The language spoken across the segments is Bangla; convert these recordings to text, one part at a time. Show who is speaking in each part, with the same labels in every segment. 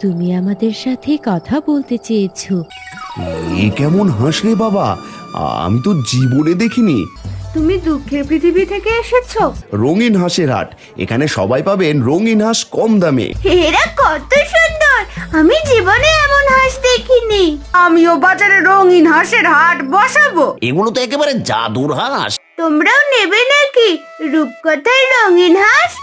Speaker 1: তুমি আমাদের সাথে কথা বলতে চেয়েছো।
Speaker 2: এ কেমন হাঁস রে বাবা, আমি তো জীবনে দেখিনি।
Speaker 3: তুমি দুঃখের পৃথিবী থেকে এসেছো?
Speaker 2: রঙিন হাঁসের হাট, এখানে সবাই পাবেন রঙিন হাঁস কম দামে।
Speaker 3: এরা কত সুন্দর, আমি জীবনে এমন হাঁস দেখিনি। আমিও বাজারে রঙিন হাঁসের হাট বসাবো।
Speaker 4: এগুলো তো একেবারে জাদুর হাঁস।
Speaker 3: তোমরাও নেবে নাকি রূপকথার রঙিন হাঁস?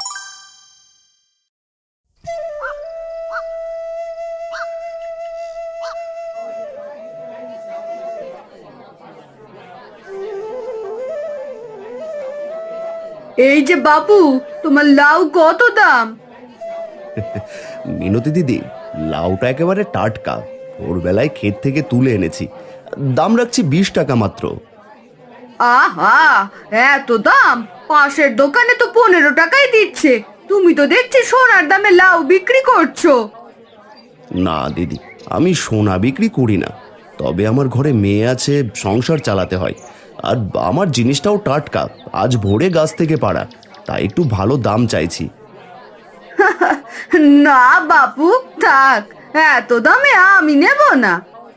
Speaker 3: এই যে বাবু, তোমার লাউ কত দাম?
Speaker 2: মিনতি দিদি, লাউটা একেবারে টাটকা, ভোরবেলায় ক্ষেত থেকে তুলে এনেছি। দাম রাখছি 20 টাকা মাত্র।
Speaker 3: আহা, এত দাম! পাশের দোকানে তো 15 টাকাই দিচ্ছে। তুমি তো দেখছি সোনার দামে লাউ বিক্রি করছো।
Speaker 2: না দিদি, আমি সোনা বিক্রি করি না, তবে আমার ঘরে মেয়ে আছে, সংসার চালাতে হয়। আর আমার জিনিসটাও টাটকা, আজ ভোরে গাছ থেকে পাড়া, তাই একটু ভালো দাম চাইছি।
Speaker 3: না বাপু, থাক, এত দামে আমি নেব না।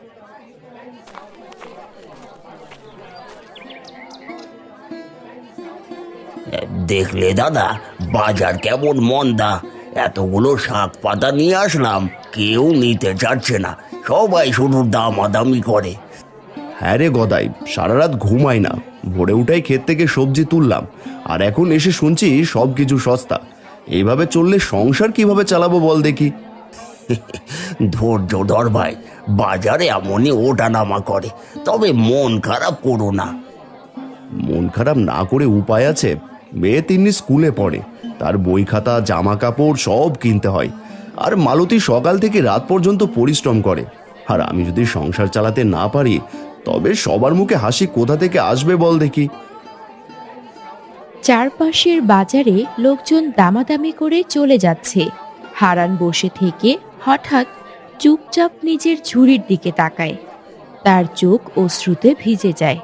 Speaker 4: দেখলে দাদা, বাজার কেমন মন্দা। এতগুলো শাক পাতা নিয়ে আসলাম, কেউ নিতে চাচ্ছে না, সবাই শুধু দামাদামি করে।
Speaker 2: হ্যাঁ রে গদাই, সারা রাত ঘুমাই না, ভোরে উঠাই ক্ষেত থেকে সবজি তুললাম, আর এখন এসে শুনছি সব কিছু সস্তা। এইভাবে চললে সংসার কিভাবে চালাবো বল দেখি।
Speaker 4: ধৈর্য ধর ভাই, বাজারে এমনই ওঠানামা করে, তবে মন খারাপ করো না।
Speaker 2: মন খারাপ না করে উপায় আছে? মেয়ে তিন্নি স্কুলে পড়ে, তার বই খাতা জামা কাপড় সব কিনতে হয়, আর মালতী সকাল থেকে রাত পর্যন্ত পরিশ্রম করে। আর আমি যদি সংসার চালাতে না পারি, তবে সবার মুখে হাসি কোথা থেকে আসবে বল দেখি।
Speaker 1: চারপাশের বাজারে লোকজন দামাদামি করে চলে যাচ্ছে। হারান বসে থেকে হঠাৎ চুপচাপ নিজের ঝুড়ির দিকে তাকায়। তার চোখ অশ্রুতে ভিজে যায়।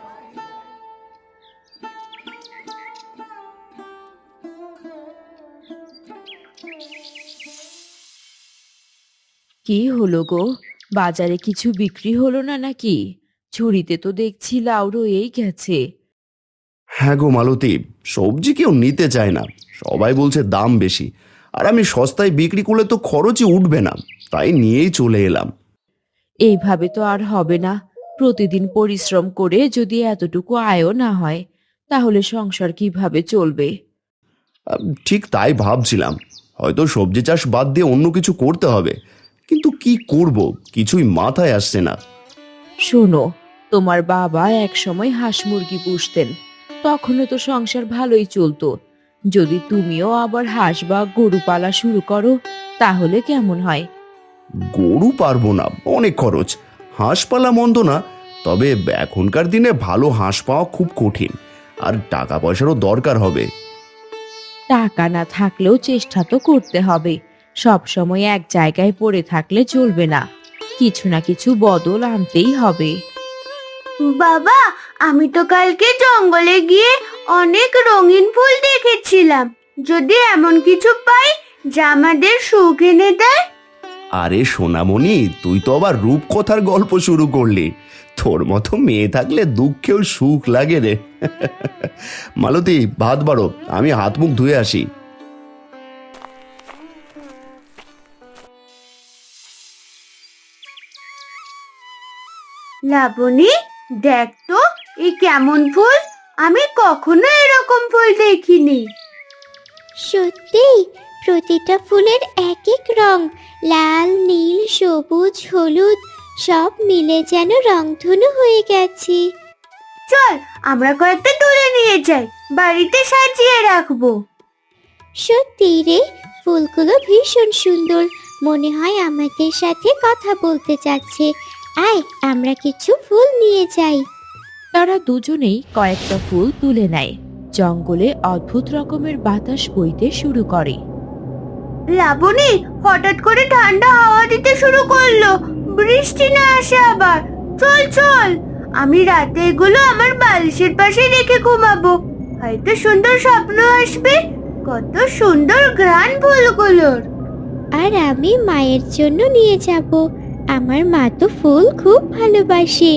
Speaker 1: কি হলো গো, বাজারে কিছু বিক্রি হলো না নাকি? ঝুড়িতে তো দেখছি লাউ রয়েই গেছে।
Speaker 2: হ্যাঁ গো মালতী, সবজি কেউ নিতে চায় না, সবাই বলছে দাম বেশি, আর আমি সস্তায় বিক্রি করলে তো খরচই উঠবে না, তাই নিয়েই চলে এলাম।
Speaker 1: এইভাবে তো আর হবে না। প্রতিদিন পরিশ্রম করে যদি এতটুকু আয়ও না হয়, তাহলে সংসার কিভাবে চলবে?
Speaker 2: ঠিক তাই ভাবছিলাম, হয়তো সবজি চাষ বাদ দিয়ে অন্য কিছু করতে হবে, কিন্তু কি করব কিছুই মাথায় আসছে না।
Speaker 1: শোনো, তোমার বাবা একসময় হাঁস মুরগি পুষতেন, তখনও তো সংসার ভালোই চলতো। যদি তুমিও আবার হাঁস বা গরু পালা শুরু করো, তাহলে কেমন হয়?
Speaker 2: গরু পারবো না, অনেক খরচ। হাঁস পালা মন্দ না, তবে এখনকার দিনে ভালো হাঁস পাওয়া খুব কঠিন, আর টাকা পয়সারও দরকার হবে।
Speaker 1: টাকা না থাকলেও চেষ্টা তো করতে হবে। সব সময় এক জায়গায় পড়ে থাকলে চলবে না, কিছু না কিছু বদল আনতেই হবে।
Speaker 3: বাবা, আমি তো কালকে জঙ্গলে গিয়ে অনেক রঙিন ফুল দেখেছিলাম। যদি এমন কিছু পাই যা আমাদের সুখ এনে দেয়।
Speaker 2: আরে সোনামণি, তুই তো আবার রূপকথার গল্প শুরু করলি। তোর মতো মেয়ে থাকলে দুঃখেও সুখ লাগে রে। মালতী, ভাত বাড়ো, আমি হাত মুখ ধুয়ে আসি।
Speaker 3: লাবণী, দেখ তো এই কেমন ফুল, আমি কখনো এরকম ফুল দেখিনি।
Speaker 5: সত্যি, প্রতিটা ফুলের এক এক রং, লাল, নীল, সবুজ, হলুদ, সব মিলে যেন রংধনু হয়ে গেছে।
Speaker 3: চল আমরা কয়েকটা তুলে নিয়ে যাই, বাড়িতে সাজিয়ে রাখবো।
Speaker 5: সত্যি রে, ফুলগুলো ভীষণ সুন্দর, মনে হয় আমাদের সাথে কথা বলতে চাচ্ছে। আয়, আমরা কিছু ফুল নিয়ে যাই।
Speaker 1: তারা দুজনেই কয়েকটা ফুল তুলে নেয়। জঙ্গলে অদ্ভুত রকমের বাতাস বইতে শুরু করে।
Speaker 3: লাবণী, হঠাৎ করে ঠান্ডা হাওয়া দিতে শুরু করলো, বৃষ্টি না আসে আবার। চল চল, আমি রাতে এগুলো আমার বালিশের পাশে রেখে ঘুমাবো, হয়তো সুন্দর স্বপ্ন আসবে। কত সুন্দর ঘ্রাণ ফুলগুলোর।
Speaker 5: আর আমি মায়ের জন্য নিয়ে যাব। আমার মা তো ফুল খুব ভালোবাসেন।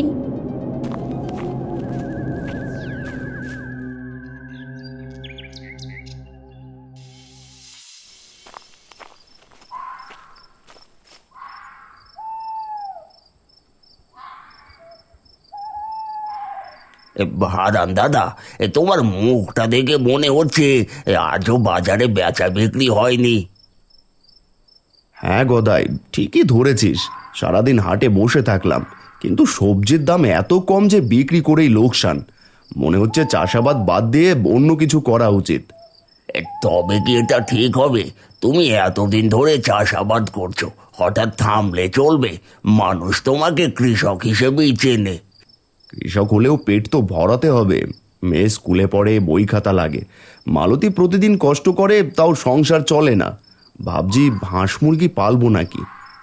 Speaker 4: হারান দাদা, তোমার মুখটা দেখে মনে হচ্ছে আজও বাজারে বেচা বিক্রি হয়নি।
Speaker 2: হ্যাঁ গদাই, ঠিকই ধরেছিস। সারাদিন হাটে বসে থাকলাম, কিন্তু সবজির দাম এত কম যে বিক্রি করেই লোকসান। মনে হচ্ছে চাষাবাদ বাদ দিয়ে অন্য কিছু করা উচিত।
Speaker 4: তবে কি এটা ঠিক হবে? তুমি এতদিন ধরে চাষাবাদ করছো, হঠাৎ থামলে চলবে? মানুষ তোমাকে কৃষক হিসেবেই চেনে।
Speaker 2: কৃষক হলেও পেট তো ভরাতে হবে। মেয়ে স্কুলে পড়ে, বই খাতা লাগে। মালতী প্রতিদিন কষ্ট করে, তাও সংসার চলে না। ভাবছি হাঁস মুরগি পালবো নাকি।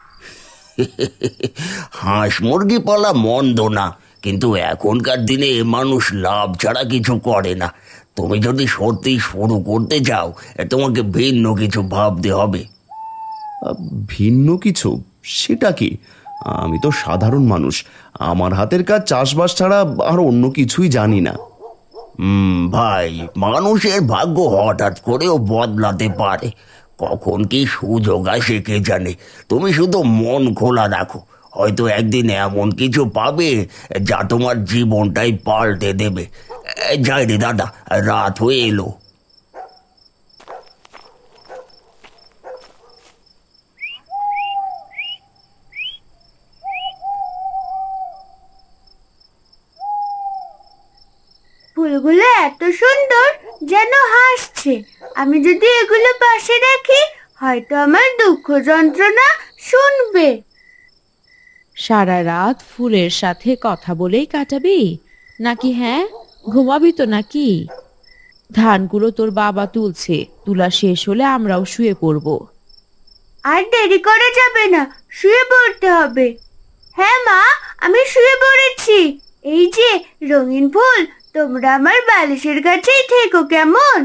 Speaker 4: হাঁস মুরগি পালা মন্দ না, কিন্তু এখনকার দিনে মানুষ লাভ ছাড়া কিছু করে না। তুমি যদি সত্যি শুরু করতে চাও, তোমাকে ভিন্ন কিছু ভাবতে হবে।
Speaker 2: ভিন্ন কিছু? সেটা কি? আমি তো সাধারণ মানুষ, আমার হাতের কাজ চাষবাস ছাড়া আর অন্য কিছুই জানি না।
Speaker 4: ভাই, মানুষের ভাগ্য হঠাৎ করেও বদলাতে পারে। কখন কি সুযোগ আসে কে জানে। তুমি শুধু মন খোলা রাখো, হয়তো একদিন এমন কিছু পাবে যা তোমার জীবনটাই পাল্টে দেবে। যাই রে দাদা, রাত হয়ে এলো।
Speaker 3: ফুলগুলো এত সুন্দর, যেন হাসছে। আমি যদি এগুলো পাশে রাখি, হয়তো আমার দুঃখ যন্ত্রণা শুনবে।
Speaker 1: সারা রাত ফুলের সাথে কথা বলেই কাটাবি নাকি? হ্যাঁ, ঘুমাবি তো নাকি? ধানগুলো তোর বাবা তুলছে, তুলা শেষ হলে আমরাও শুয়ে পড়বো।
Speaker 3: আর দেরি করা যাবে না, শুয়ে পড়তে হবে। হ্যাঁ মা, আমি শুয়ে পড়েছি। এই যে রঙিন ফুল, তোমরা আমার বালিশের কাছেই থেকো কেমন?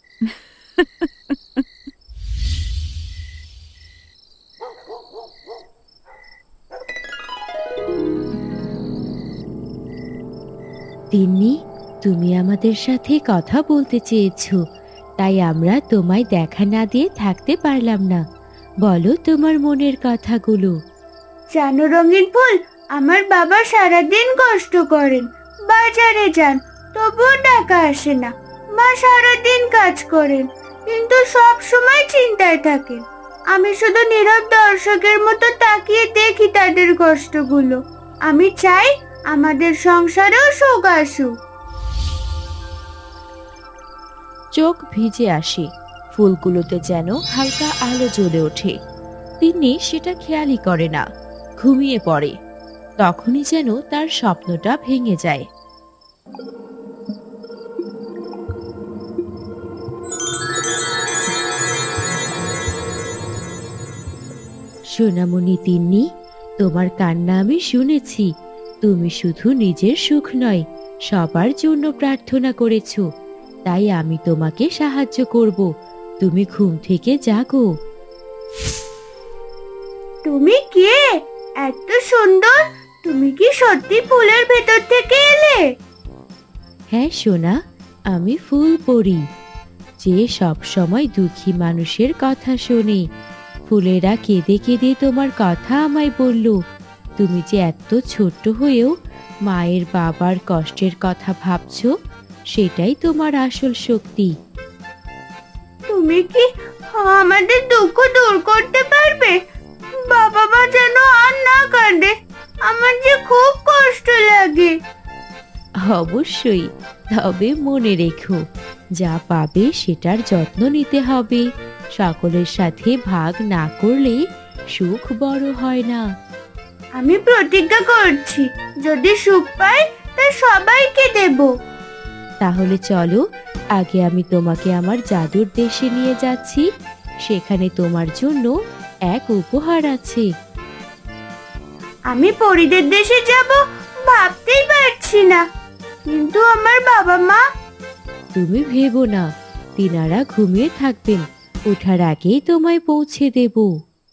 Speaker 1: তিন্নি, তুমি আমাদের সাথে কথা বলতে চেয়েছো, তাই আমরা তোমায় দেখা না দিয়ে থাকতে পারলাম না। বলো তোমার মনের কথাগুলো।
Speaker 3: জানো রঙিন ফুল, আমার বাবা সারাদিন কষ্ট করেন, বাজারে যান, তবুও টাকা আসে না। মা সারাদিন কাজ করেন, কিন্তু সব সময় চিন্তায় থাকেন। আমি শুধু নীরব দর্শকের মতো তাকিয়ে দেখি তাদের কষ্টগুলো। আমি চাই আমাদের সংসারেও সুখ আসুক।
Speaker 1: চোখ ভিজে আসে, ফুলগুলোতে যেন হালকা আলো জ্বলে ওঠে। তিন্নি সেটা খেয়ালই করে না, ঘুমিয়ে পড়ে। তখনই যেন তার স্বপ্নটা ভেঙে যায়। সোনামণি তিন্নি, তোমার কান্না আমি শুনেছি। তুমি শুধু নিজের সুখ নয়, সবার জন্য প্রার্থনা করেছো। তাই আমি তোমাকে সাহায্য করব। তুমি ঘুম থেকে জাগো।
Speaker 3: তুমি কে? এত সুন্দর! তুমি কি সত্যি ফুলের ভেতর থেকে এলে?
Speaker 1: হ্যাঁ সোনা, আমি ফুল পড়ি, যে সব সময় দুঃখী মানুষের কথা শোনে। ফুলেরা কেঁদে কেঁদে তোমার কথা আমায় বলল। তুমি যে এত ছোট্ট হয়েও মায়ের বাবার কষ্টের কথা ভাবছো, সেটাই তোমার আসল শক্তি।
Speaker 3: তুমি কি আমাদের দুঃখ দূর করতে পারবে? বাবা মা যেন আর না কাঁদে, আমার যে খুব কষ্ট লাগে।
Speaker 1: অবশ্যই, তবে মনে রেখো, যা পাবে সেটার যত্ন নিতে হবে। সকলের সাথে ভাগ না করলে সুখ বড় হয় না।
Speaker 3: আমি প্রতিজ্ঞা করছি, যদি সুখ পাই তা সবাইকে দেব।
Speaker 1: তাহলে চলো, আগে আমি তোমাকে আমার জাদুর দেশে নিয়ে যাচ্ছি। সেখানে তোমার জন্য এক উপহার আছে।
Speaker 3: আমি পরীদের দেশে যাব ভাবতেই পারছি না, কিন্তু আমার বাবা মা?
Speaker 1: তুমি ভেবো না, তিনারা ঘুমিয়ে থাকবেন, ওঠার আগেই তোমায় পৌঁছে দেব।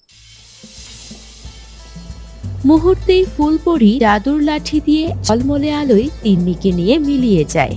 Speaker 1: মুহূর্তেই ফুলপরি জাদুর লাঠি দিয়ে ঝলমলে আলোয় তিন্নিকে নিয়ে মিলিয়ে যায়।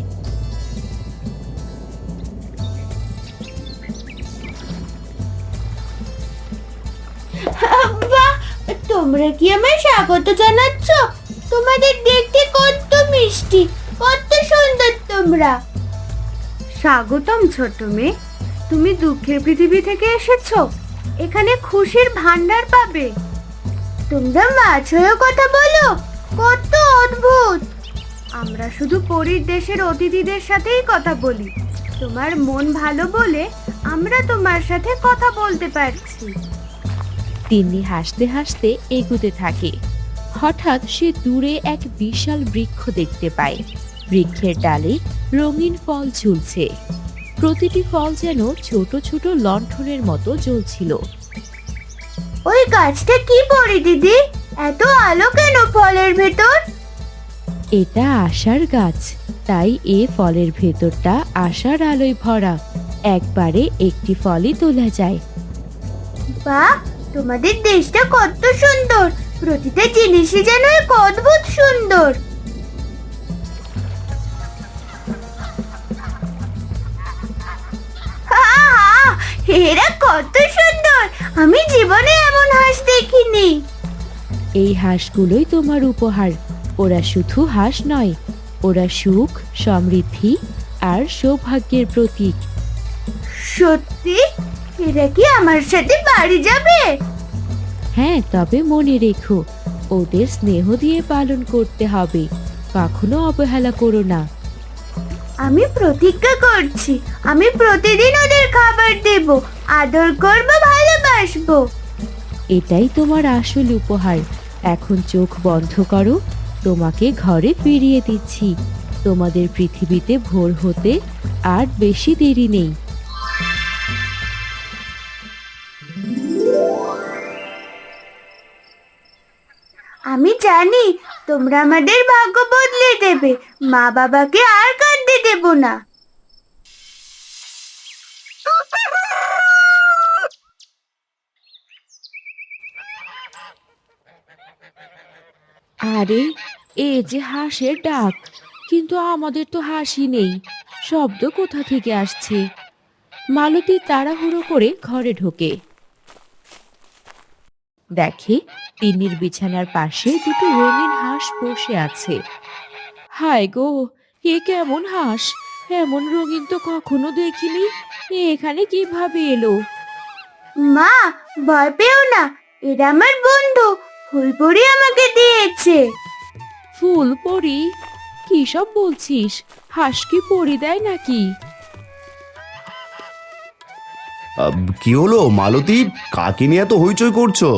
Speaker 3: বাহ, তোমরা কি আমায় স্বাগত জানাচ্ছ? তোমাদের দেখতে কত মিষ্টি, কত সুন্দর তোমরা। স্বাগতম ছোট মেয়ে, তুমি দুঃখের পৃথিবী থেকে এসেছো, এখানে খুশির ভান্ডার পাবে। তোমরা মাছ হয়েও কথা বলো, কত অদ্ভুত। আমরা শুধু পরীর দেশের অতিথিদের সাথেই কথা বলি। তোমার মন ভালো বলে আমরা তোমার সাথে কথা বলতে পারছি।
Speaker 1: তিন্নি হাসতে হাসতে এগুতে থাকে। হঠাৎ সে দূরে এক বিশাল বৃক্ষ দেখতে পায়। বৃক্ষের ডালে রঙিন ফল ঝুলছে। প্রতিটি ফল যেন ছোট ছোট লণ্ঠনের মতো জ্বলছিল।
Speaker 3: ওই গাছটা কি পরি দিদি? এত আলো কেন ফলের ভেতর?
Speaker 1: এটা আশার গাছ, তাই এ ফলের ভেতরটা আশার আলোয় ভরা। একবারে একটি ফলই তোলা যায়।
Speaker 3: বাহ, তোমাদের দেশটা কত সুন্দর, প্রতিটা জিনিসই যেন এক অদ্ভুত সুন্দর। আহা, এরা কত সুন্দর, আমি জীবনে এমন হাঁস দেখিনি।
Speaker 1: এই হাঁসগুলোই তোমার উপহার। ওরা শুধু হাঁস নয়, ওরা সুখ, সমৃদ্ধি আর সৌভাগ্যের প্রতীক।
Speaker 3: সত্যি? এরা কি আমার সাথে বাড়ি যাবে?
Speaker 1: হ্যাঁ, তবে মনে রেখো, ওদের স্নেহ দিয়ে পালন করতে হবে। কখনো অবহেলা করো না।
Speaker 3: আমি প্রতিজ্ঞা করছি, আমি প্রতিদিন ওদের খাবার দেব, আদর করব, ভালোবাসবো।
Speaker 1: এটাই তোমার আসল উপহার। এখন চোখ বন্ধ করো, তোমাকে ঘরে ফিরিয়ে দিচ্ছি। তোমাদের পৃথিবীতে ভোর হতে আর বেশি দেরি নেই।
Speaker 3: আমি জানি তোমরা আমাদের ভাগ্য বদলে দেবে, মা বাবাকে আর কাঁদতে দেব না।
Speaker 1: আরে, এ যে হাঁসের ডাক, কিন্তু আমাদের তো হাসি নেই। শব্দ কোথা থেকে আসছে? মালতী তাড়াহুড়ো করে ঘরে ঢোকে। দেখে তিন্নির বিছানার পাশে দুটো রঙিন হাঁস বসে আছে। হায় গো, এ কেমন হাঁস? এমন রঙিন তো কখনো দেখিনি। এ এখানে কিভাবে এলো?
Speaker 3: মা, ভয় পেও না, এরা আমার বন্ধু, ফুলপরি আমাকে দিয়েছে।
Speaker 1: ফুল পরি? কি সব বলছিস? হাঁস কি পরি দেয় নাকি?
Speaker 2: কি হলো মালতী, কাকে নিয়ে এত হইচই করছো?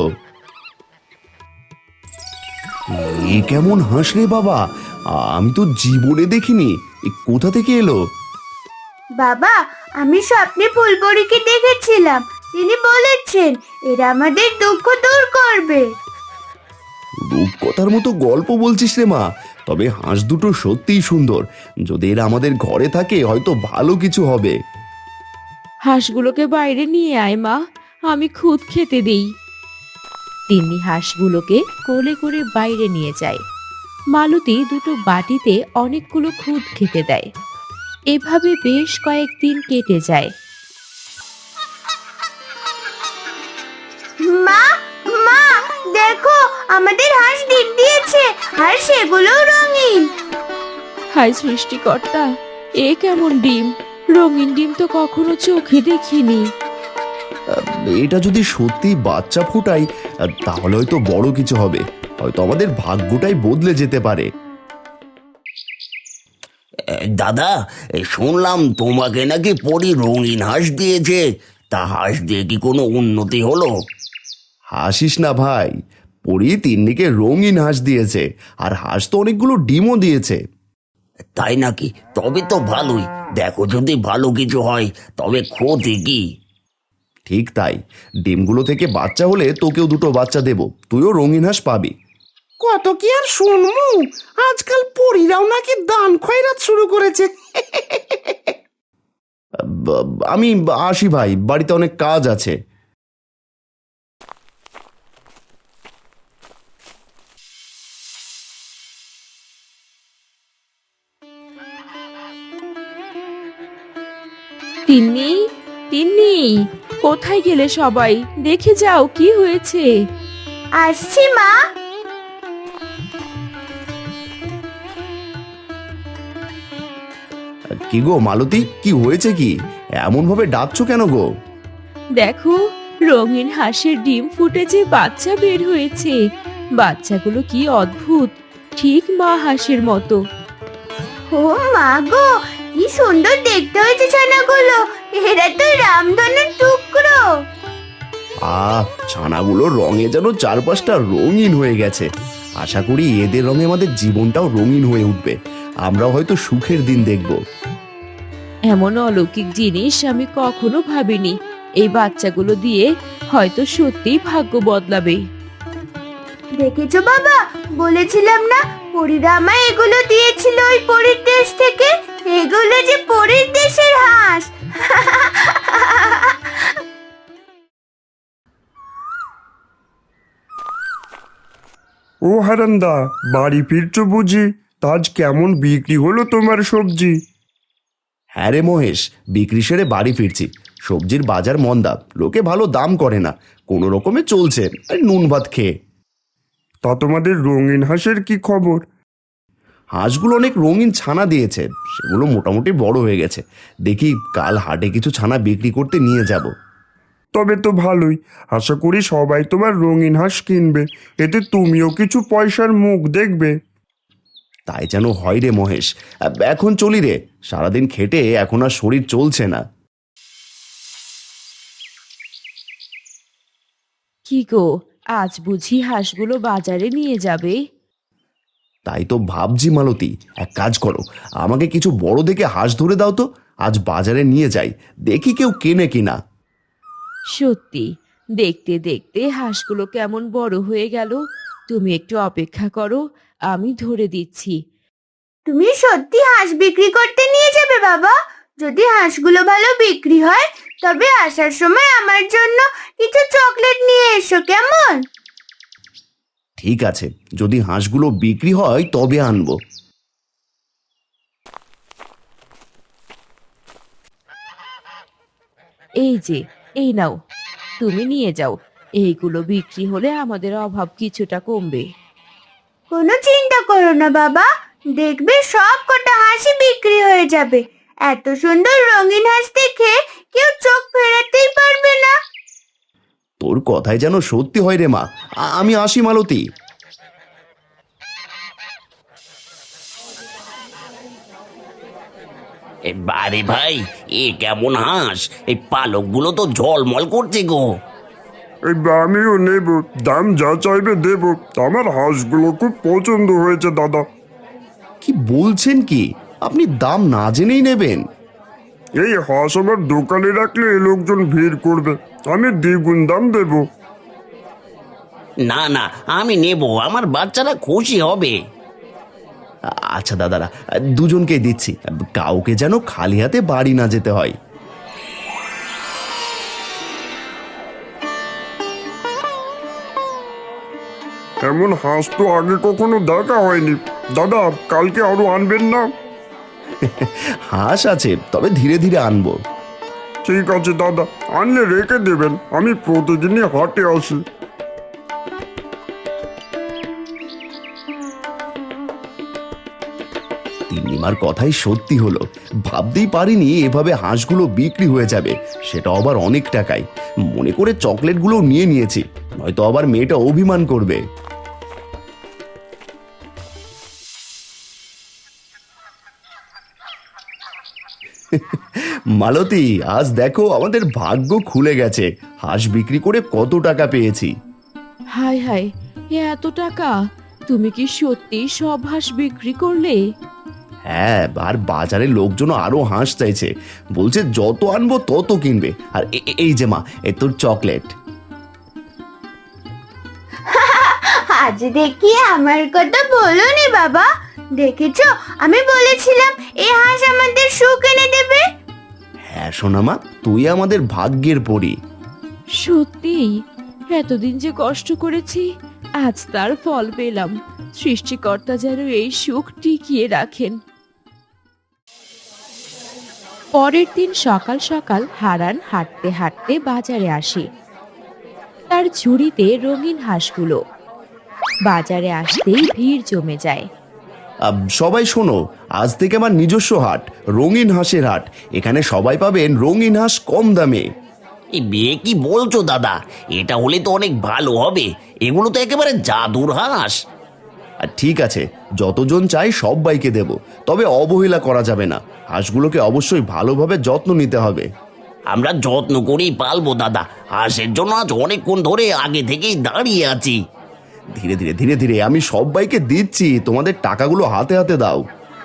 Speaker 2: এ কেমন হাঁস রে বাবা, আমি তো জীবনে দেখিনি। এ কোথা থেকে এলো?
Speaker 3: বাবা, আমি স্বপ্নে ফুলপরিকে দেখেছিলাম, তিনি বলেছেন এরা আমাদের দুঃখ দূর করবে।
Speaker 2: রূপকথার মতো গল্প বলছিস রে মা, তবে হাঁস দুটো সত্যিই সুন্দর। যদি এরা আমাদের ঘরে থাকে হয়তো ভালো কিছু হবে।
Speaker 1: হাঁসগুলোকে বাইরে নিয়ে আয় মা, আমি খুদ খেতে দেই। তিন্নি হাঁসগুলোকে কোলে করে বাইরে নিয়ে যায়। মালতী দুটো বাটিতে অনেকগুলো খুদ খেতে দেয়। এভাবে বেশ কয়েকদিন কেটে যায়।
Speaker 3: মা, মা, দেখো আমাদের হাঁস ডিম দিয়েছে, আর সেগুলো রঙিন।
Speaker 1: হায় সৃষ্টিকর্তা, এ কেমন ডিম? রঙিন ডিম তো কখনো চোখে দেখিনি।
Speaker 2: এটা যদি সত্যি বাচ্চা ফোটায় তাহলে হয়তো বড় কিছু হবে। হয়তো আমাদের ভাগ্যটাই বদলে যেতে পারে।
Speaker 4: দাদা, শুনলাম তোমাকে নাকি পরী রঙিন হাঁস দিয়েছে। তা হাঁস দিয়ে কি কোনো উন্নতি হলো?
Speaker 2: হাসিস না ভাই, পরি তিন্নিকে রঙিন হাঁস দিয়েছে, আর হাঁস তো অনেকগুলো ডিমও দিয়েছে।
Speaker 4: তাই নাকি? তবে তো ভালোই। দেখো, যদি ভালো কিছু হয় তবে ক্ষতি কি?
Speaker 2: ঠিক তাই, ডিমগুলো থেকে বাচ্চা হলে তোকেও দুটো বাচ্চা দেব, তুইও রঙিন হাঁস পাবি।
Speaker 6: কত কি আর শুনমু, আজকাল পরীরাও নাকি দান খয়রাত শুরু করেছে।
Speaker 2: আমি আসি ভাই, বাড়িতে অনেক কাজ আছে।
Speaker 1: তিন্নি, তিন্নি, কোথায় গেলে সবাই? দেখে যাও কি হয়েছে।
Speaker 3: আসছি মা।
Speaker 2: কি গো মালতী, কি হয়েছে কি? এমন ভাবে ডাকছো কেন গো?
Speaker 1: দেখো, রঙিন হাঁসের ডিম ফুটেছে, বাচ্চা বের হয়েছে। বাচ্চাগুলো কি অদ্ভুত, ঠিক মা হাঁসের মতো।
Speaker 3: ও মা গো, কি সুন্দর দেখতে হয়েছে ছানাগুলো। এরা তো রামধনের টুকরো।
Speaker 2: ছানাগুলো রঙে যেন চারপাশটা রঙিন হয়ে গেছে। আশা করি এদের রঙে আমাদের জীবনটাও রঙিন হয়ে উঠবে, আমরাও হয়তো সুখের দিন দেখব।
Speaker 1: এমন অলৌকিক জিনিস আমি কখনো ভাবিনি। এই বাচ্চাগুলো দিয়ে হয়তো সত্যিই ভাগ্য বদলাবে।
Speaker 3: দেখেছো বাবা, বলেছিলাম না পরীরা আমায় এগুলো দিয়েছিল ওই পরীর দেশ থেকে। এগুলো যে পরীর দেশের হাঁস।
Speaker 7: ও হারান্দা, বাড়ি ফিরছো বুঝি? তা আজ কেমন বিক্রি হলো তোমার সবজি?
Speaker 2: হ্যাঁ রে মহেশ, বিক্রি সেরে বাড়ি ফিরছি। সবজির বাজার মন্দা, লোকে ভালো দাম করে না, কোনো রকমে চলছে আর নুন ভাত খেয়ে।
Speaker 7: তা তোমাদের রঙিন হাঁসের কি খবর?
Speaker 2: হাঁসগুলো অনেক রঙিন ছানা দিয়েছে, সেগুলো মোটামুটি বড় হয়ে গেছে। দেখি কাল হাটে কিছু ছানা বিক্রি করতে নিয়ে যাব।
Speaker 7: তবে তো ভালোই, আশা করি সবাই তোমার রঙিন হাঁস কিনবে, এতে তুমিও কিছু পয়সার মুখ দেখবে।
Speaker 2: তাই যেন হয় রে মহেশ। এখন চলি রে, সারাদিন খেটে এখন আর শরীর চলছে না।
Speaker 1: কি গো, আজ বুঝি হাঁসগুলো বাজারে নিয়ে যাবে?
Speaker 2: তাই তো ভাবছি মালতী, এক কাজ করো, আমাকে কিছু বড় দেখে হাঁস ধরে দাও তো, আজ বাজারে নিয়ে যাই, দেখি কেউ কেনে কিনা।
Speaker 1: সত্যি, দেখতে দেখতে হাঁসগুলো কেমন বড় হয়ে গেল। তুমি একটু অপেক্ষা করো, আমি ধরে দিচ্ছি।
Speaker 3: তুমি সত্যি হাঁস বিক্রি করতে নিয়ে যাবে বাবা? যদি হাঁসগুলো ভালো বিক্রি হয় তবে আসার সময় আমার জন্য কিছু চকলেট নিয়ে এসো, কেমন?
Speaker 2: ঠিক আছে, যদি হাঁসগুলো বিক্রি হয় তবে আনবো।
Speaker 1: এই যে, এই নাও, তুমি নিয়ে যাও। এইগুলো বিক্রি হলে আমাদের অভাব কিছুটা কমবে।
Speaker 3: কোনো চিন্তা করো না বাবা, দেখবে সব কটা হাঁসই বিক্রি হয়ে যাবে। এত সুন্দর রঙিন হাঁস দেখে কেউ চোখ ফেরাতেই পারবে না।
Speaker 2: তোর কথাই যেন সত্যি হয় রে মা। আমি আসি মালতী।
Speaker 4: আরে ভাই, এ কেমন হাঁস! এই পালকগুলো তো ঝলমল করছে গো।
Speaker 7: এই আমিও নেব, দাম যা চাইবে দেব। আমার হাঁসগুলো খুব পছন্দ হয়েছে দাদা।
Speaker 2: কি বলছেন কি, আপনি দাম না জেনেই নেবেন?
Speaker 7: এই হাঁস আমার দোকানে রাখলে লোকজন ভিড় করবে, আমি দ্বিগুণ দাম দেব।
Speaker 4: না না, আমি নেব, আমার বাচ্চারা খুশি হবে।
Speaker 2: আচ্ছা দাদারা, দুজনকেই দিচ্ছি, কাউকে যেন খালি হাতে বাড়ি না যেতে হয়।
Speaker 7: এমন হাঁস তো আগে কখনো দেখা হয়নি। দাদা, কালকে আরো আনবেন না?
Speaker 2: হাঁস আছে, তবে ধীরে ধীরে আনবো।
Speaker 7: ঠিক আছে দাদা, আনলে রেখে দেবেন, আমি প্রতিদিনই হাটে আসি।
Speaker 2: তিন্নিমার কথাই সত্যি হলো, ভাবতেই পারিনি এভাবে হাঁসগুলো বিক্রি হয়ে যাবে, সেটা আবার অনেক টাকায়। মনে করে চকলেটগুলো নিয়ে নিয়েছি, নয়তো আবার মেয়েটা অভিমান করবে। মালতী, আজ দেখো আমাদের ভাগ্য খুলে গেছে, হাঁস বিক্রি করে কত টাকা পেয়েছি।
Speaker 1: হায় হায়, এত টাকা! তুমি কি সত্যি সব হাঁস বিক্রি করলে?
Speaker 2: হ্যাঁ, আর বাজারে লোকজন আরো হাঁস চাইছে, বলছে যত আনবো তত কিনবে। আর এই যে মা, এ তোর চকলেট।
Speaker 3: আজ দেখি আমার কথা বলোনি বাবা। দেখেছো, আমি বলেছিলাম এই হাঁস আমাদের সুখ এনে দেবে।
Speaker 2: হ্যাঁ সোনামা, তুই আমাদের ভাগ্যের পরী।
Speaker 1: সত্যিই, এতদিন যে কষ্ট করেছি, আজ তার ফল পেলাম। সৃষ্টিকর্তা যেন এই সুখ টিকিয়ে রাখেন। পরের দিন সকাল সকাল হারান হাঁটতে হাঁটতে বাজারে আসে। তার ঝুড়িতে রঙিন হাঁসগুলো। বাজারে আসতেই ভিড় জমে যায়।
Speaker 2: সবাই শোনো, আজ থেকে আমার নিজস্ব হাট, রঙিন হাঁসের হাট। এখানে সবাই পাবেন রঙিন হাঁস কম দামে।
Speaker 4: এই বিয়ে কি বলছো দাদা? এটা হলে তো অনেক ভালো হবে। এগুলো তো একেবারে জাদুর হাঁস।
Speaker 2: আর ঠিক আছে, যতজন চাই সবাইকে দেব, তবে অবহেলা করা যাবে না। হাঁসগুলোকে অবশ্যই ভালোভাবে যত্ন নিতে হবে।
Speaker 4: আমরা যত্ন করেই পালবো দাদা। হাঁসের জন্য আজ অনেকক্ষণ ধরে আগে থেকেই দাঁড়িয়ে আছি।
Speaker 2: ধীরে ধীরে ধীরে ধীরে আমি সবাইকে দিচ্ছি, তোমাদের টাকাগুলো হাতে হাতে দাও।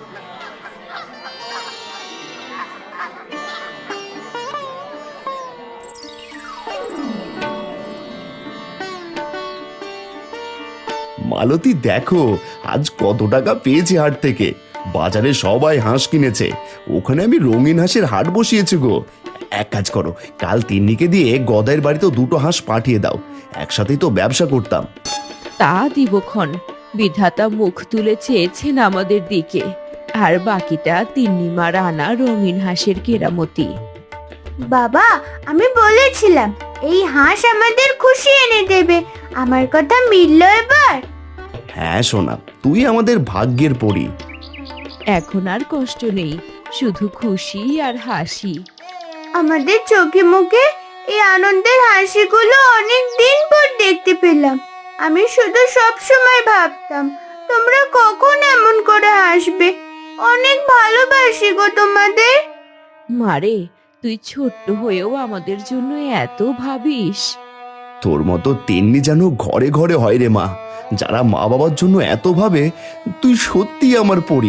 Speaker 2: মালতী দেখো, আজ কত টাকা পেয়েছি হাট থেকে। বাজারে সবাই হাঁস কিনেছে, ওখানে আমি রঙিন হাঁসের হাট বসিয়েছি গো। এক কাজ করো, কাল তিন্নিকে দিয়ে গদাইয়ের বাড়িতেও দুটো হাঁস পাঠিয়ে দাও, একসাথেই তো ব্যবসা করতাম।
Speaker 1: তা দিবক্ষণ, বিধাতা মুখ তুলে চেয়েছেন আমাদের দিকে। আর বাকিটা তিন্নিমার আনা রঙিন হাঁসের কেরামতি।
Speaker 3: বাবা, আমি বলেছিলাম এই হাঁস আমাদের খুশি এনে দেবে। আমার কথা মিলল এবার?
Speaker 2: হ্যাঁ সোনা, তুই আমাদের ভাগ্যের পরী।
Speaker 1: এখন আর কষ্ট নেই, শুধু খুশি আর হাসি।
Speaker 3: আমাদের চোখে মুখে এই আনন্দের হাসিগুলো অনেক দিন পর দেখতে পেলাম। আমি শুধু সব সময় ভাবতাম তোমরা কখন এমন করে হাসবে। অনেক ভালোবাসি গো তোমাদের।
Speaker 1: মারে, তুই ছোট্ট হয়েও আমাদের জন্য এত ভাবিস।
Speaker 2: তোর মতো তিন্নি যেন ঘরে ঘরে হয় রে মা, যারা মা বাবার জন্য এত ভাবে। তুই সত্যি আমার পরী।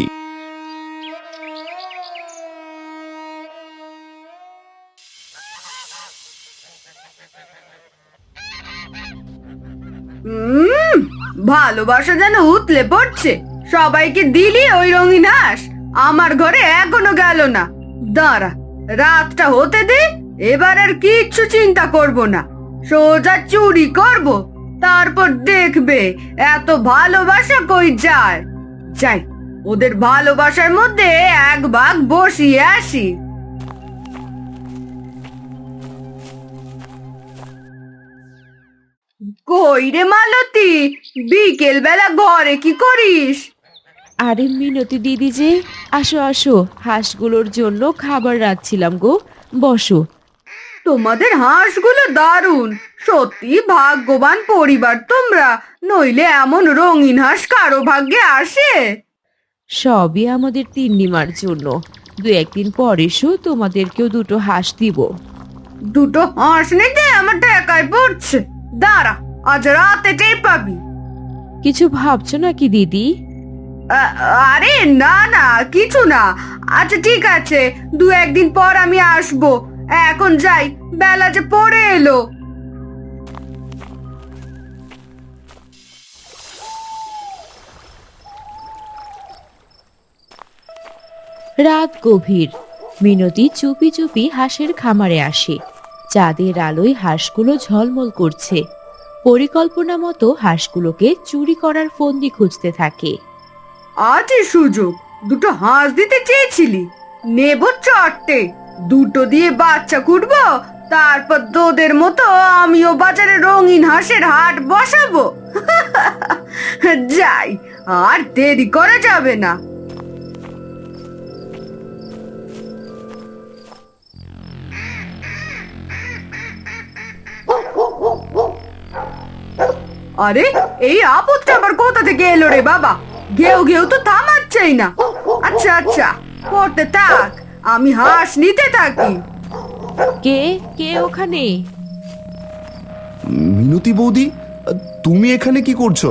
Speaker 3: ভালোবাসা যেন উতলে পড়ছে। সবাইকে দিলি ওই রঙিন হাঁস, আমার ঘরে এখনো গেল না। দাঁড়া, রাতটা হতে দে, এবার আর কিচ্ছু চিন্তা করব না। সোজা চুরি করব, তারপর দেখবে এত ভালোবাসা কই যায়। যাই, ওদের ভালোবাসার মধ্যে এক ভাগ বসিয়ে আসি। কই রে মালতী, বিকেল বেলা ঘরে কি করিস?
Speaker 1: আরে মিনতি দিদি যে, আসো আসো, হাঁসগুলোর জন্য খাবার রাখছিলাম গো, বসো।
Speaker 3: তোমাদের হাঁসগুলো দারুণ, সত্যি ভাগ্যবান পরিবার তোমরা, নইলে এমন রঙিন হাঁস কারো ভাগ্যে আসে?
Speaker 1: সবই আমাদের তিন্নিমার জন্য। দু একদিন পর এসো, তোমাদেরকেও দুটো হাঁস দিব।
Speaker 3: দুটো হাঁস নিতে আমার টাকায় পড়ছে। দাঁড়া, আজ রাতে টের পাবি।
Speaker 1: কিছু ভাবছো নাকি দিদি?
Speaker 3: আরে না না, কিছু না। আচ্ছা ঠিক আছে, দু একদিন পর আমি আসবো। এখন যাই, বেলা যে পড়ে এলো।
Speaker 1: রাত গভীর। মিনতি চুপি চুপি হাঁসের খামারে আসে। চাঁদের আলোয় হাঁসগুলো ঝলমল করছে। পরিকল্পনা মতো হাঁসগুলোকে চুরি করার ফন্দি খুঁজতে থাকে।
Speaker 3: আজই সুযোগ, দুটো হাঁস দিতে চেয়েছিলি, নেব চারটে। দুটো দিয়ে বাচ্চা কুটবো, তারপর তোদের মতো আমিও বাজারে রঙিন হাঁসের হাট বসাবো। যাই, আর দেরি করা যাবে না। আরে, এই আপদটা আবার কোথা থেকে এলো রে বাবা? ঘেউ ঘেউ তো থামাচ্ছেই না। আচ্ছা আচ্ছা, পড়তে থাক, আমি হাঁস নিতে থাকি।
Speaker 1: কে কে ওখানে?
Speaker 2: মিনতি বৌদি, তুমি এখানে কি করছো?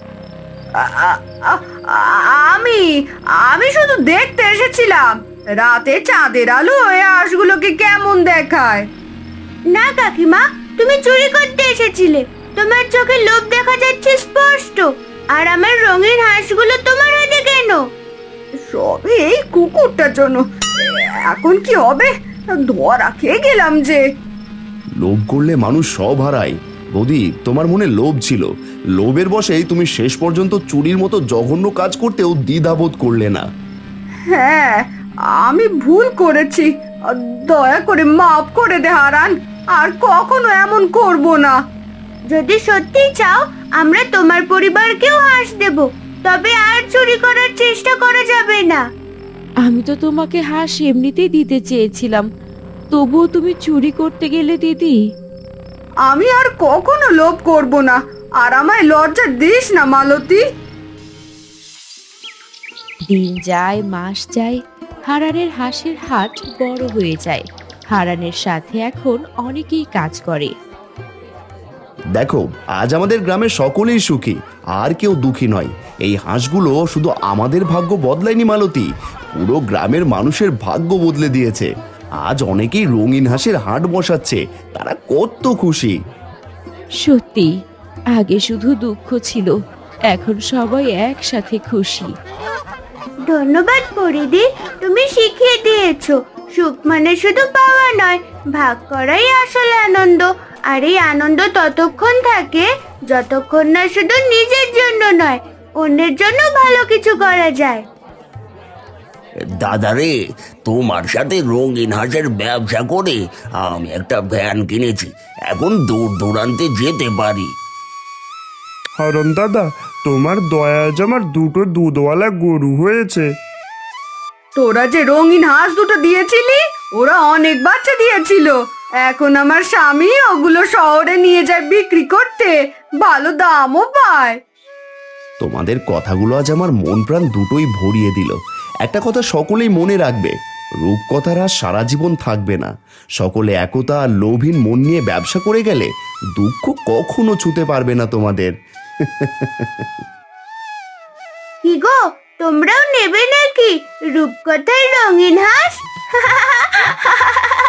Speaker 3: আমি আমি শুধু দেখতে এসেছিলাম, রাতে চাঁদের আলো ওই হাঁসগুলোকে কেমন দেখায়। না কাকিমা, তুমি চুরি করতে এসেছিলে। তোমার চোখে লোভ দেখা যাচ্ছে স্পষ্ট। আর আমার রঙিন হাঁসগুলো তোমার হাতে কেন? সবে এই কুকুরটার জন্য। এখন কি হবে? ধরা খেয়ে গেলাম যে।
Speaker 2: লোভ করলে মানুষ সব হারায়। বৌদি, তোমার মনে লোভ ছিল, লোভের বশেই তুমি শেষ পর্যন্ত চুরির মতো জঘন্য কাজ করতেও দ্বিধাবোধ করলে না।
Speaker 3: হ্যাঁ, আমি ভুল করেছি। দয়া করে মাফ করে দে হারান, আর কখনো এমন করব না। যদি সত্যি চাও আমরা তোমার পরিবারকেও হাঁস দেব, তবে আর চুরি করার চেষ্টা করা যাবে না।
Speaker 1: আমি তো তোমাকে হাঁস এমনিতেই দিতে চেয়েছিলাম, তবুও তুমি চুরি করতে গেলে দিদি।
Speaker 3: আমি আর কখনো লোভ করব না, আর আমায় লজ্জা দিস না মালতী।
Speaker 1: দিন যায় মাস যায়, হারানের হাঁসের হাট বড় হয়ে যায়। হারানের সাথে এখন অনেকেই কাজ করে।
Speaker 2: দেখো, আজ আমাদের গ্রামের সকলেই সুখী, আর কেউ দুঃখী নয়। এই হাঁসগুলো শুধু আমাদের ভাগ্য বদলায়নি মালতী, পুরো গ্রামের মানুষের ভাগ্য বদলে দিয়েছে। আজ অনেকেই রঙিন হাঁসের হাট বসাচ্ছে, তারা কত খুশি।
Speaker 1: সত্যি, আগে শুধু দুঃখ ছিল, এখন সবাই একসাথে খুশি।
Speaker 3: ধন্যবাদ পরিদি, তুমি শিখিয়ে দিয়েছো সুখ মানে শুধু পাওয়া নয়, ভাগ করাই আসল আনন্দ। আর এই আনন্দ ততক্ষণ থাকে যতক্ষণ না শুধু নিজের জন্য নয়, অন্যের জন্য ভালো কিছু করা যায়।
Speaker 4: দাদারে, তোমার সাথে রঙিন হাঁসের ব্যবসা করে আমি একটা ভ্যান কিনেছি, এখন দূর দূরান্তে যেতে পারি।
Speaker 7: হারান দাদা, তোমার দয়া আজ আমার দুটো দুধওয়ালা গরু হয়েছে।
Speaker 3: তোরা যে রঙিন হাঁস দুটো দিয়েছিলি, ওরা অনেক বাচ্চা দিয়েছিল। এখন আমার স্বামী ওগুলো শহরে নিয়ে যায় বিক্রি করতে, ভালো দামও পায়।
Speaker 2: তোমাদের কথাগুলো আজ আমার মন প্রাণ দুটোই ভরিয়ে দিল। একটা কথা সকলেই মনে রাখবে, রূপকথার আর সারা জীবন থাকবে না। সকলে একতা আর লোভহীন মন নিয়ে ব্যবসা করে গেলে দুঃখ কখনো ছুতে পারবে না তোমাদের।
Speaker 3: কি গো, তোমরাও নেবে নাকি রূপকথার রঙিন হাঁস?